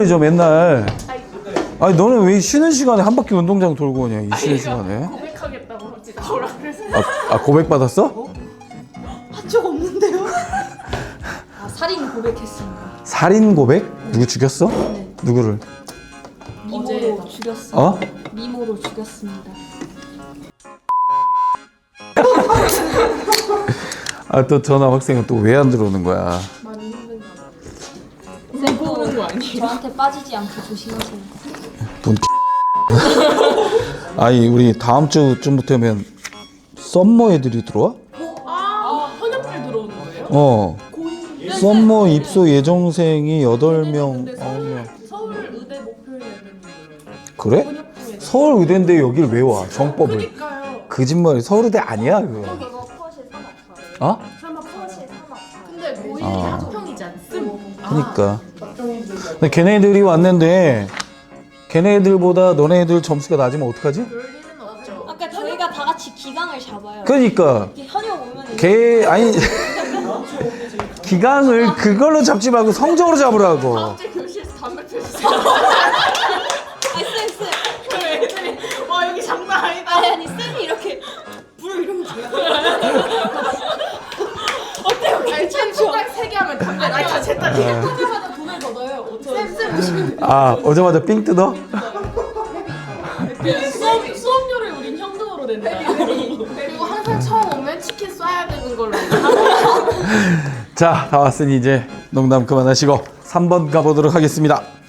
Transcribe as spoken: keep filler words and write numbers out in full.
저 맨날. 아니 너는 왜 쉬는 시간에 한 바퀴 운동장 돌고 오냐 이 쉬는 시간에? 고백하겠다고 혹시 나오라 그래서. 아, 아 고백 받았어? 한 적 없는데요? 아 살인 고백했습니다. 살인 고백? 누구 죽였어? 네. 누구를? 미모로 죽였습니다. 어? 미모로 죽였습니다. 아 또 전화 학생은 또 왜 안 들어오는 거야? 많이 힘든가 봐요. 쌤 보는 거 아니에요? 저한테 빠지지 않게 조심하세요. 돈 아니 우리 다음 주쯤부터면 썸머 애들이 들어와? 아 현역들 들어오는 거예요? 어 썸머 입소 예정생이 여덟 명 근데 아홉 명 서울, 서울 의대 목표해야 되는 거예요. 그래? 현역중에. 서울 의대인데 여길 왜 와? 정법을 그니까요. 거짓말이 서울 의대 아니야 그거 이거 퍼실 삼합사예요. 어? 설마 퍼실 삼합사. 근데 고인이 아. 합평이지 않음? 그니까 근데 걔네들이 왔는데 걔네들보다 너네들 점수가 낮으면 어떡하지? 그럴 리는 없죠. 아까 저희가 다 같이 기강을 잡아요. 그러니까 이게 현역 오면 걔 아니 기강을 그걸로 잡지 말고 성적으로 잡으라고 다음 주에 교실에서 담배 펴주세요. 아니 쌤 쌤. 그럼 애들이 와 여기 장난 아니다. 아니 아니 쌤이 이렇게 불 이러면 돼요. 아니 chen 손가락 세개 하면 담배 나이 다 챘다. 하자마자 돈을 걷어요. 쌤쌤 오시면 아 오자마자 삥 뜯어? 수업, 수업료를 우린 현금으로 낸다. 그리고 항상 처음 오면 치킨 쏴야 되는 걸로. 자 다 왔으니 이제 농담 그만하시고 삼 번 가보도록 하겠습니다